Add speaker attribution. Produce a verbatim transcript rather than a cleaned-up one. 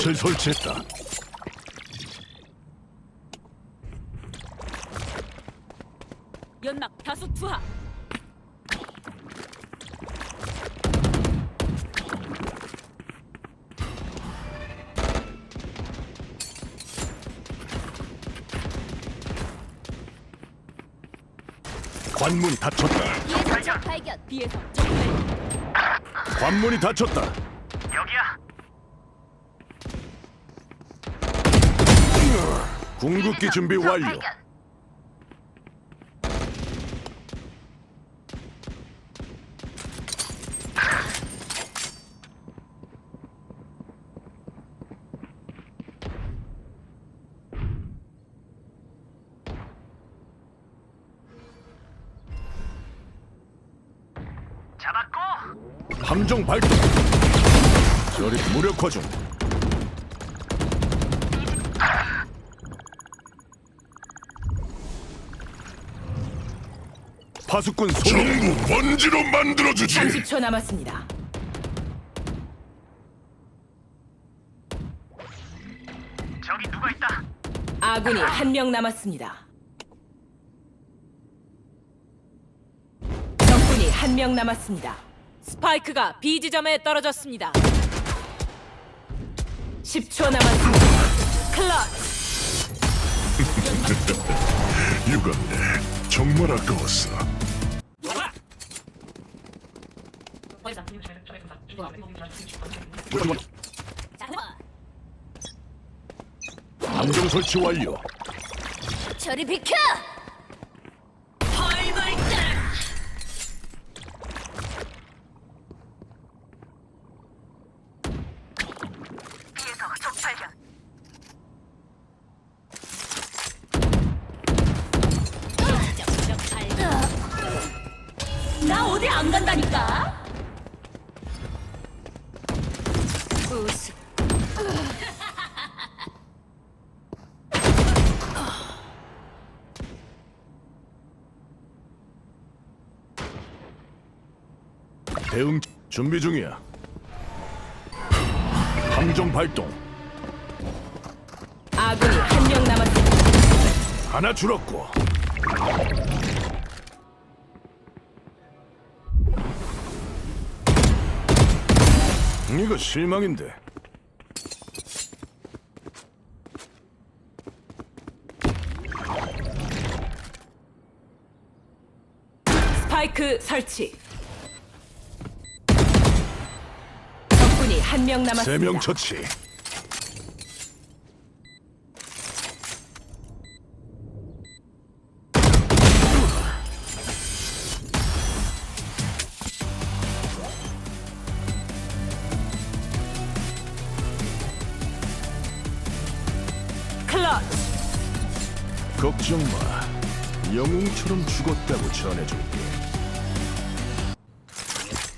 Speaker 1: 덫을 설치했다.
Speaker 2: 연막 다수 투하.
Speaker 1: 관문이 닫혔다.
Speaker 2: 비에서 적 발견. 비에서 적 발견.
Speaker 1: 관문이 닫혔다.
Speaker 3: 여기야.
Speaker 1: 궁극기 준비 완료.
Speaker 3: 잡았고.
Speaker 1: 함정 발동. 저리 무력화 중. 파수꾼 소.
Speaker 4: 전부 먼지로 만들어주지.
Speaker 5: 삼십 초 남았습니다.
Speaker 3: 저기 누가 있다.
Speaker 5: 아군이 한 명 남았습니다. 적군이 한 명 남았습니다.
Speaker 2: 스파이크가 B 지점에 떨어졌습니다.
Speaker 5: 십 초 남았습니다.
Speaker 2: 클러치.
Speaker 4: 유감네. 정말 아까웠어.
Speaker 1: 함정 설치 완료.
Speaker 2: 저리 비켜.
Speaker 3: B에서 적 발견.
Speaker 2: 적 발견. 나 어디 안 간다니까. 우스.
Speaker 1: 대응 준비 중이야. 함정 발동.
Speaker 5: 아군이 한 명 남았습니다.
Speaker 1: 하나 줄었고. 이거 실망인데.
Speaker 5: 스파이크 설치. 적군이 한 명 남았습니다.
Speaker 1: 세 명 처치.
Speaker 5: 클러치.
Speaker 1: 걱정 마. 영웅처럼 죽었다고 전해줄게.